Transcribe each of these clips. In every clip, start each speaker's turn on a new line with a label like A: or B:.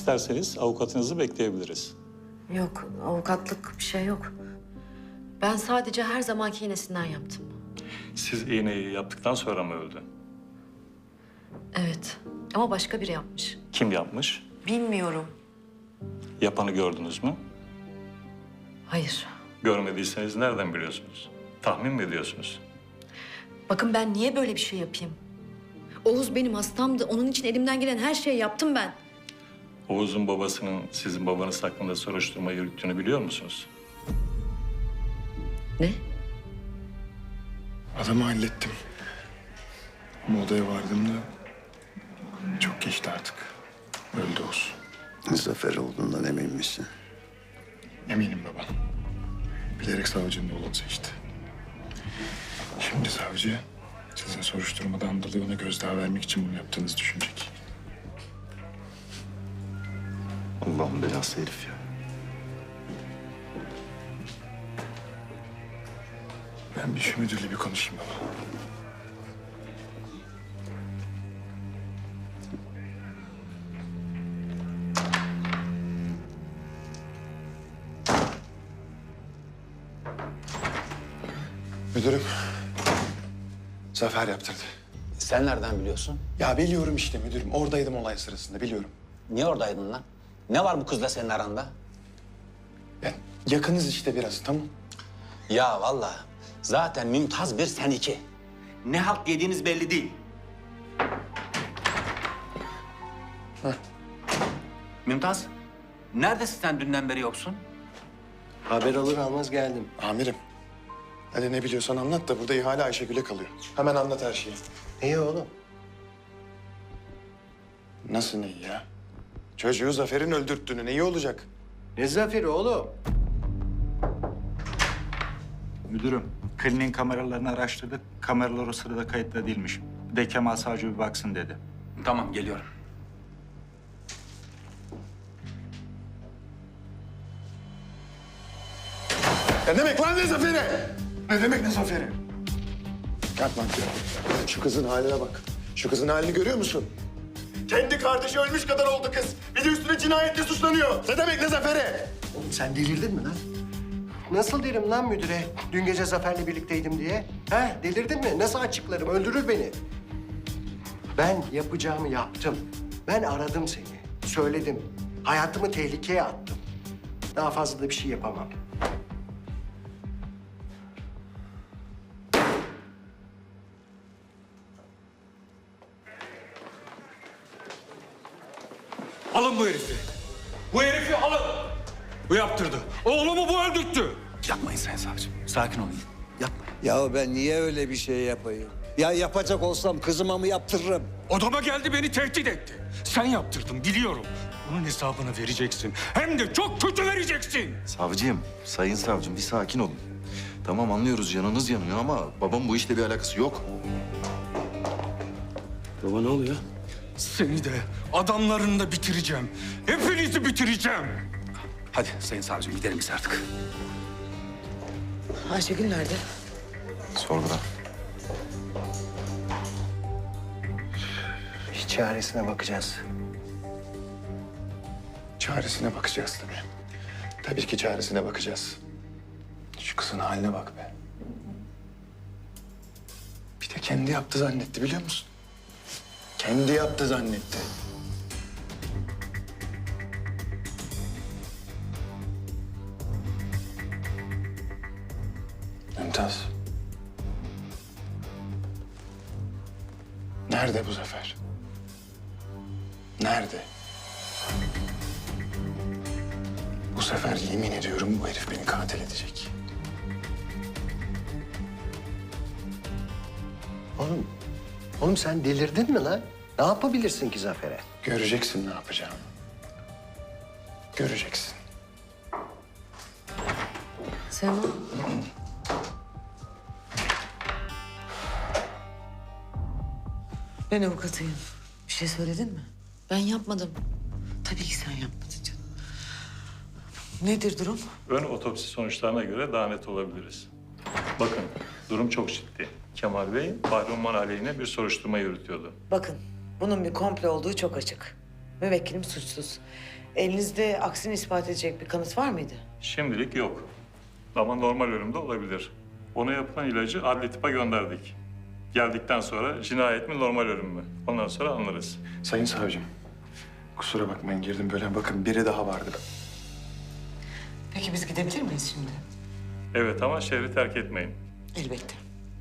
A: İsterseniz avukatınızı bekleyebiliriz.
B: Yok, avukatlık bir şey yok. Ben sadece her zamanki iğnesinden yaptım.
A: Siz iğneyi yaptıktan sonra mı öldü?
B: Evet, ama başka biri yapmış.
A: Kim yapmış?
B: Bilmiyorum.
A: Yapanı gördünüz mü?
B: Hayır.
A: Görmediyseniz nereden biliyorsunuz? Tahmin mi ediyorsunuz?
B: Bakın ben niye böyle bir şey yapayım? Oğuz benim hastamdı. Onun için elimden gelen her şeyi yaptım ben.
A: Oğuz'un babasının sizin babanız hakkında soruşturma yürüttüğünü biliyor musunuz?
B: Ne?
C: Adamı hallettim. Ama odaya vardığımda çok geçti artık. Öldü Oğuz.
D: Zafer olduğundan emin misin?
C: Eminim baba. Bilerek savcının yolunu seçti. Şimdi savcı sizin soruşturmadan dolayı ona gözdağı vermek için bunu yaptığınızı düşünecek.
D: Allah'ın belası herif ya.
C: Ben bir şu müdürle bir konuşayım baba. Müdürüm, Zafer yaptırdı.
E: Sen nereden biliyorsun?
C: Ya biliyorum işte müdürüm. Oradaydım olay sırasında biliyorum.
E: Niye oradaydın lan? Ne var bu kızla senin aranda?
C: Ya yakınız işte biraz tamam.
E: Ya vallahi zaten Mümtaz bir, sen iki. Ne halt yediğiniz belli değil. Mümtaz, neredesin sen dünden beri yoksun?
F: Haber alır almaz geldim.
C: Amirim. Hadi ne biliyorsan anlat da burada ihale Ayşegül'e kalıyor. Hemen anlat her şeyi.
F: İyi oğlum.
C: Nasıl neyi ya? Çocuğu Zafer'in öldürttüğünü neyi olacak?
F: Ne zaferi oğlum?
G: Müdürüm, kliniğin kameralarını araştırdık. Kameralar o sırada kayıtlı değilmiş. Bir de Kemal Savcı bir baksın dedi.
E: Tamam, geliyorum.
C: Ne demek lan ne Zafer'i? Ne demek ne Zafer'i? Kalk lan. Şu kızın haline bak. Şu kızın halini görüyor musun? Kendi kardeşi ölmüş kadar oldu kız. Bir de üstüne cinayetle suçlanıyor. Ne demek ne Zafer'i?
F: Oğlum sen delirdin mi lan? Nasıl derim lan müdüre dün gece Zafer'le birlikteydim diye? Ha delirdin mi? Nasıl açıklarım? Öldürür beni. Ben yapacağımı yaptım. Ben aradım seni. Söyledim. Hayatımı tehlikeye attım. Daha fazla da bir şey yapamam.
H: Alın bu herifi. Bu herifi alın. Bu yaptırdı. Oğlumu bu öldürttü.
E: Yapmayın Sayın Savcım, sakin olun. Yapmayın.
I: Ya ben niye öyle bir şey yapayım? Ya yapacak olsam kızıma mı yaptırırım?
H: Odama geldi, beni tehdit etti. Sen yaptırdın biliyorum. Bunun hesabını vereceksin. Hem de çok kötü vereceksin.
J: Savcım, sayın savcım bir sakin olun. Tamam anlıyoruz canınız yanıyor ama babam bu işle bir alakası yok.
F: Baba ne oluyor?
H: Seni de adamlarını da bitireceğim. Hepinizi bitireceğim.
E: Hadi Sayın Savcım, gidelim biz artık.
B: Ayşegül nerede?
J: Sorguda.
F: Bir çaresine bakacağız.
C: Çaresine bakacağız tabii. Tabii ki çaresine bakacağız. Şu kızın haline bak be. Bir de kendi yaptı zannetti biliyor musun? Kendi yaptı zannetti. Mümtaz. Nerede bu Zafer? Nerede? Bu sefer yemin ediyorum bu herif beni katil edecek.
F: Oğlum sen delirdin mi lan? Ne yapabilirsin ki Zafer'e?
C: Göreceksin ne yapacağımı. Göreceksin.
B: Sema. Ben avukatıyım. Bir şey söyledin mi? Ben yapmadım. Tabii ki sen yapmadın canım. Nedir durum?
A: Ön otopsi sonuçlarına göre daha net olabiliriz. Bakın, durum çok ciddi. Kemal Bey, Bahri Umman aleyhine bir soruşturma yürütüyordu.
K: Bakın, bunun bir komplo olduğu çok açık.
B: Müvekkilim suçsuz. Elinizde aksini ispat edecek bir kanıt var mıydı?
A: Şimdilik yok. Ama normal ölümde olabilir. Ona yapılan ilacı adli tıpa gönderdik. Geldikten sonra cinayet mi normal ölüm mü? Ondan sonra anlarız.
C: Sayın savcım, kusura bakmayın girdim böyle. Bakın biri daha vardı.
B: Peki biz gidebilir miyiz şimdi?
A: Evet ama şehri terk etmeyin.
B: Elbette.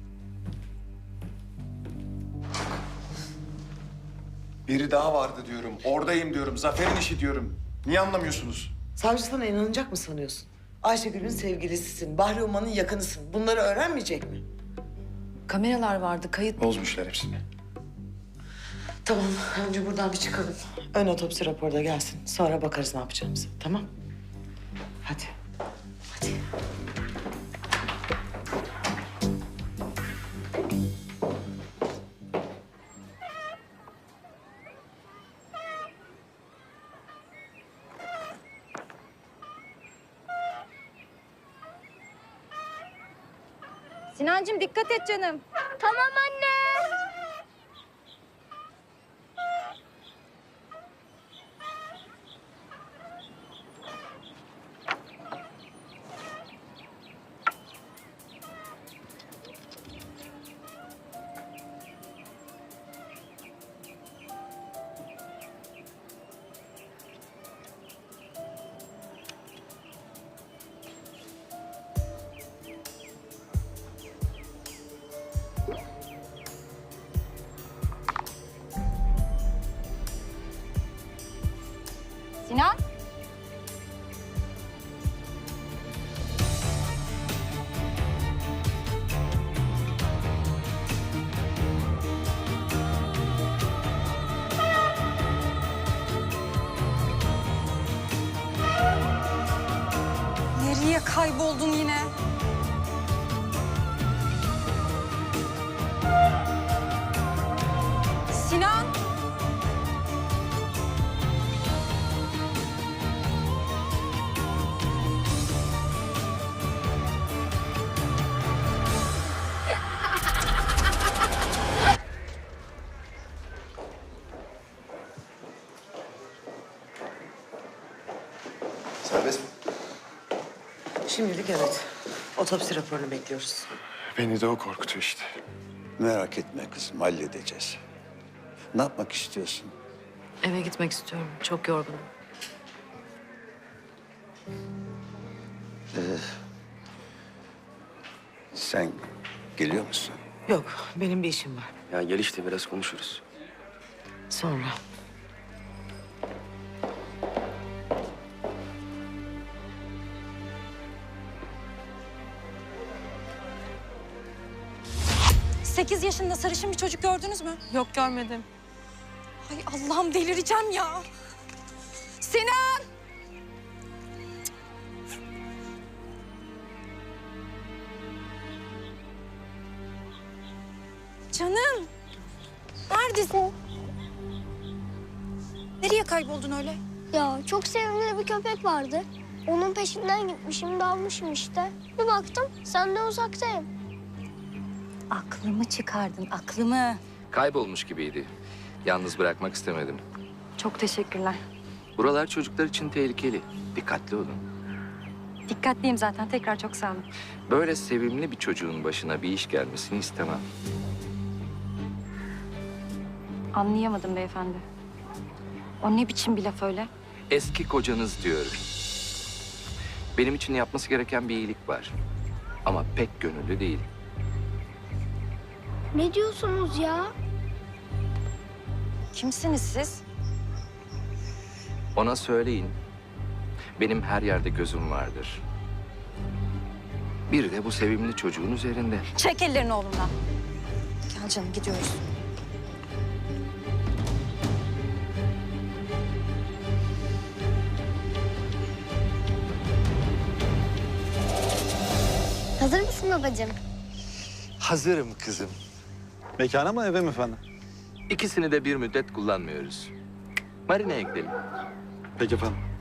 C: Biri daha vardı diyorum. Oradayım diyorum. Zafer'in işi diyorum. Niye anlamıyorsunuz?
B: Savcı sana inanacak mı sanıyorsun? Ayşegül'ün sevgilisisin, Bahri Umman'ın yakınısın. Bunları öğrenmeyecek mi?
K: Kameralar vardı, kayıt...
C: Bozmuşlar hepsini.
B: Tamam, önce buradan bir çıkalım. Ön otopsi raporu da gelsin. Sonra bakarız ne yapacağımızı, tamam? Hadi. Hadi.
K: Sinancığım dikkat et canım. Tamam anne. Sinan. Nereye kayboldun yine? Sinan.
C: Serbest mi?
B: Şimdilik evet. Otopsi raporunu bekliyoruz.
C: Beni de o korkutuyor işte.
D: Merak etme kızım, halledeceğiz. Ne yapmak istiyorsun?
K: Eve gitmek istiyorum. Çok yorgunum.
D: Sen geliyor musun?
B: Yok, benim bir işim var.
I: Ya gel işte biraz konuşuruz.
B: Sonra.
K: Sekiz yaşında sarışın bir çocuk gördünüz mü? Yok görmedim. Ay Allah'ım delireceğim ya. Sinan! Canım. Neredesin? Nereye kayboldun öyle?
L: Ya çok sevimli bir köpek vardı. Onun peşinden gitmişim, dalmışım işte. Bir baktım, senden uzaktayım.
K: Aklımı çıkardın, aklımı.
M: Kaybolmuş gibiydi. Yalnız bırakmak istemedim.
K: Çok teşekkürler.
M: Buralar çocuklar için tehlikeli. Dikkatli olun.
K: Dikkatliyim zaten. Tekrar çok sağ olun.
M: Böyle sevimli bir çocuğun başına bir iş gelmesini istemem.
K: Anlayamadım beyefendi. O ne biçim bir laf öyle?
M: Eski kocanız diyorum. Benim için yapması gereken bir iyilik var. Ama pek gönüllü değil.
L: Ne diyorsunuz ya?
K: Kimsiniz siz?
M: Ona söyleyin. Benim her yerde gözüm vardır. Bir de bu sevimli çocuğun üzerinde.
K: Çek ellerini oğlumdan. Gel canım gidiyoruz.
L: Hazır mısın babacığım?
J: Hazırım kızım.
I: Mekana mı eve mi efendim?
M: İkisini de bir müddet kullanmıyoruz. Marina'ya gidelim.
I: Peki efendim.